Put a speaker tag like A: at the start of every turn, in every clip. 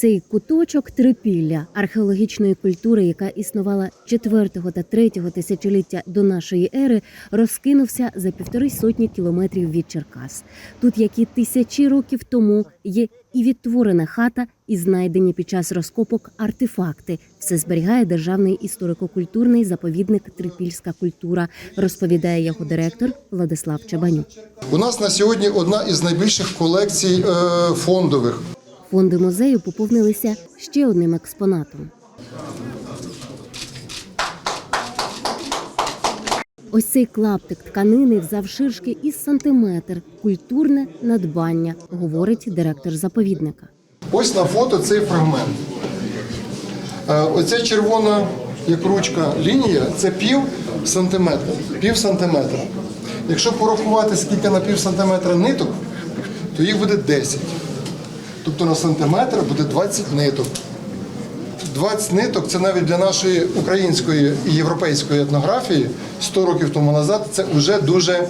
A: Цей куточок Трипілля археологічної культури, яка існувала 4 та 3 тисячоліття до нашої ери, розкинувся за 150 кілометрів від Черкас. Тут, як і тисячі років тому, є і відтворена хата, і знайдені під час розкопок артефакти. Все зберігає Державний історико-культурний заповідник «Трипільська культура», розповідає його директор Владислав Чабанюк.
B: У нас на сьогодні одна із найбільших колекцій фондових.
A: Фонди музею поповнилися ще одним експонатом. Ось цей клаптик тканини завширшки із сантиметр. Культурне надбання, говорить директор заповідника.
B: Ось на фото цей фрагмент. Оця червона, як ручка, лінія – це пів сантиметра. Якщо порахувати, скільки на пів сантиметра ниток, то їх буде 10. Тобто на сантиметр буде 20 ниток. 20 ниток – це навіть для нашої української і європейської етнографії 100 років тому назад – це вже дуже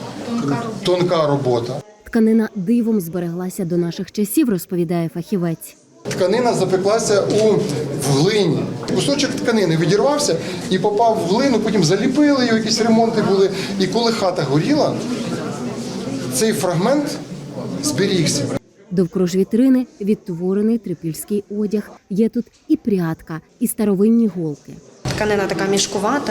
B: тонка робота.
A: Тканина дивом збереглася до наших часів, розповідає фахівець.
B: Тканина запеклася в глині. Кусочок тканини відірвався і попав в глину, потім заліпили його, якісь ремонти були. І коли хата горіла, цей фрагмент зберігся.
A: Довкруж вітрини відтворений трипільський одяг. Є тут і прядка, і старовинні голки.
C: Тканина така мішкувата,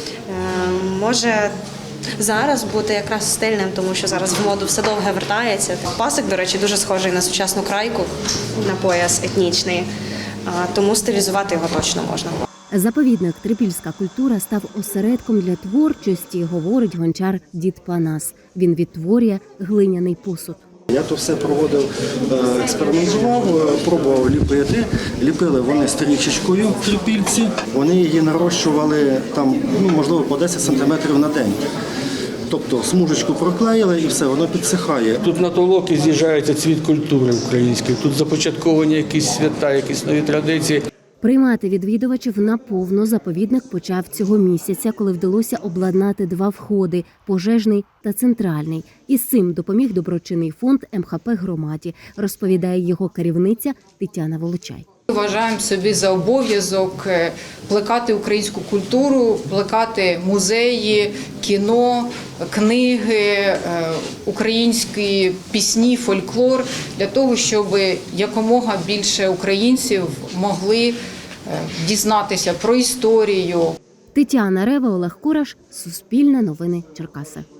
C: може зараз бути якраз стильним, тому що зараз в моду все довге вертається. Пасик, до речі, дуже схожий на сучасну крайку, на пояс етнічний, тому стилізувати його точно можна.
A: Заповідник «Трипільська культура» став осередком для творчості, говорить гончар дід Панас. Він відтворює глиняний посуд.
D: Я то все проводив, експериментував, пробував ліпити. Ліпили вони стрічечкою в трипільці. Вони її нарощували там, можливо, по 10 сантиметрів на день. Тобто смужечку проклеїли і все, воно підсихає.
E: Тут на толоки з'їжджається цвіт культури української. Тут започатковані якісь свята, якісь нові традиції.
A: Приймати відвідувачів наповно заповідник почав цього місяця, коли вдалося обладнати 2 входи – пожежний та центральний. І з цим допоміг доброчинний фонд МХП громаді, розповідає його керівниця Тетяна Волочай.
F: Вважаємо собі за обов'язок плекати українську культуру, плекати музеї, кіно, книги, українські пісні, фольклор, для того, щоб якомога більше українців могли дізнатися про історію.
A: Тетяна Рева, Олег Кураш, Суспільне новини, Черкаси.